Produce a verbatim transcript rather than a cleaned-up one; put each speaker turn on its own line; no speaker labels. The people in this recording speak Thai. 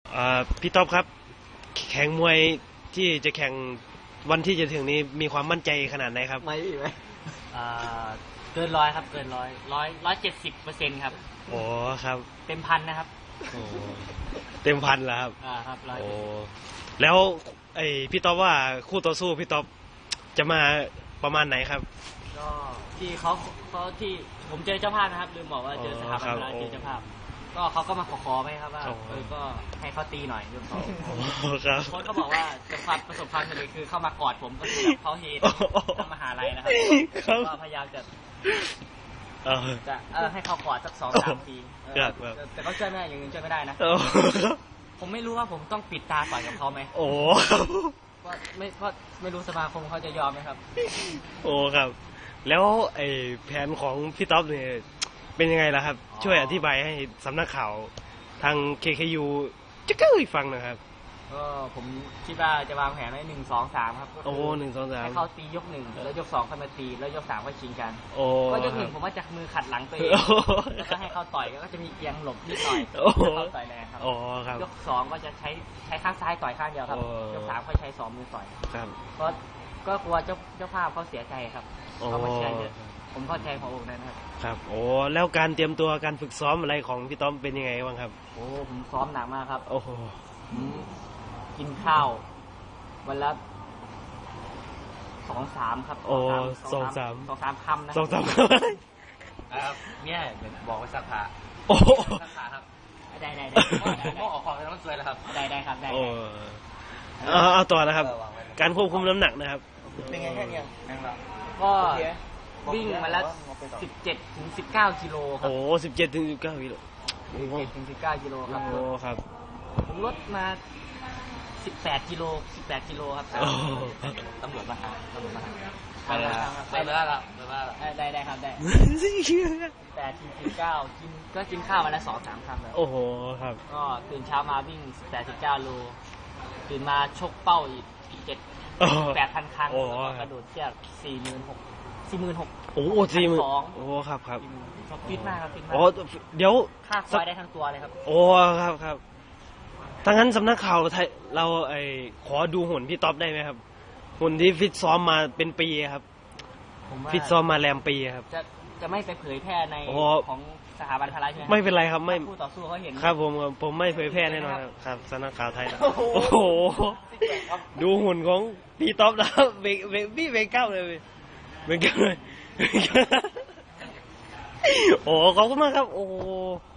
อ่าพี่ต๊อบครับแข่งมวยที่จะแข่งวันที่จะถึงนี้มีความมั่นใจขนาดไหนครับ
ไม่ไหม
อ่าเกินร้อยครับเกินร้อยร้อยร้อยเจ็ดสิบเปอร์เซ็นต์ครับ
โอ้ครับ
เต็มพันนะครับ
โอ้เต็มพันแล้วครับ
อ่าครับร้อย
โอ้แล้วไอพี่ต๊อบว่าคู่ต่อสู้พี่ต๊อบจะมาประมาณไหนครับ
ก็ที่เขาเขาที่ผมเจอเจ้าภาพนะครับลืมบอกว่าเจอสถาบันแล้วเจอเจ้าภาพก็เขาก็มาขอขอไหมครับว่าเออก็ให้เขาตีหน่อยยกเขา
ครับ
คนเขาบอกว่าจะความประสบความสำเร็จคือเข้ามากอดผมก็คือแบบเขาเฮดทำมหาลัยนะครับก็พยายามจะจะเออให้เขากอดสักสองสามทีแต่เขาช่วยไม่ได้อย่างอื่นช่วยไม่ได้นะผมไม่รู้ว่าผมต้องปิดตาต่อยกับเขาไหม
โอ้
ก็ไม่ก็ไม่รู้สมาคมเขาจะยอมไหมครับ
โอ้ครับแล้วไอ้แผนของพี่ต๊อบเนี่ยเป็นยังไงล่ะครับช่วยอธิบายให้สำนักข่าวทาง เค เค ยู จะเก้ยฟังนะครับ
ก็ผมคิดว่าจะวางแผนไว้หนึ่งสองสามครับ
โอ้หนึ่งสองสาม
ให้เขาตียกหนึ่งแล้วยกสองเข้ามาตีแล้วยกสามก็ชิงกัน
โอ้
ก็ยกหนึ่งผมว่าจะมือขัดหลังตัวเองแล้วก็ให้เขาต่อยก็จะมีเอียงหลบนิดหน่อยเขาต่อยแรงครับยกสองก็จะใช้ใช้ข้างซ้ายต่อยข้างเดียวครับยกสามก็ใช้สองมือต่อย
ครับ
เพราะก็กลัวเจ้าเจ้าภาพเขาเสียใจครับเขาไม่เชียร์เยอะผมเข้าใจขององค์นั้นครับ
ครับโอ้แล้วการเตรียมตัวการฝึกซ้อมอะไรของพี่ต้อมเป็นยังไงบ้างครับ
โอ้ผมซ้อมหนักมากครับ
โอ้โห
กินข้าววันละสองสามครับ
โอ้สองสาม
สองสามคำนะ
สองสาม
ครับเนี่ยบอกว่าสักขา
โอ้
สักขาครับได้ได้ได้ผมก็ออกของแล้วมันสวยแล้วครับได้ได้ครับได้
โอ้เอาต่อนะครับการควบคุมน้ำหนักนะครับ
เป็นไงแค่เนี้ย
ก็วิ่งมาแล้วสิบเจ็ดถึงสิบเก้ากิโลครับ
โอ้สิบเจ็ดถึงสิบเก้ากิโล
สิบเจ็ดถึงสิบเก้ากิโลครับ
โอ้ครับ
ผมลดมาสิบแปดกิโลสิบแปดกิโลครับตำรวจมาหาตำรวจมาหาไปเลยไปเลยครับได้ได้ครับได้แปดถึงสิบเก้ากินก็กินข้าวมาแล้วสองสามคำแล้ว
โอ้โหครับ
ก็ตื่นเช้ามาวิ่งแปดสิบเก้าโลตื่นมาชกเป้าอีกเจ็ดแปดพันครั้งกระโดดเชือกสี่หมื่นหกสี่หมื่นหก
โอ้โหสี่หมื่นโอ้ครับครับ
ฟิตมากครับฟิตมาก
โอ้เดี๋ยว
ค่าควายได้ทั้งตัวเลยครับ
โอ้ครับครับถ้างั้นสำนักข่าวไทยเราไอ้ขอดูหุ่นพี่ต๊อบได้ไหมครับหุ่นที่ฟิตซ้อมมาเป็นปีครับฟิตซ้อมมาแรมปีครับ
จะจะไม่ไปเผยแพร่ในของสถาบันพละใช่ไหม
ไม่เป็นไรครับไม่
ผู้ต่อสู้เขาเห็น
ครับผมผมไม่เผยแพร่แน่นอนครับสำนักข่าวไทยโอ้โหดูหุ่นของพี่ต๊อบนะเบรกเบรกพี่เบรกเก้าเลยเบรกเก้าเลยโอ้ขอบคุณมากครับโอ้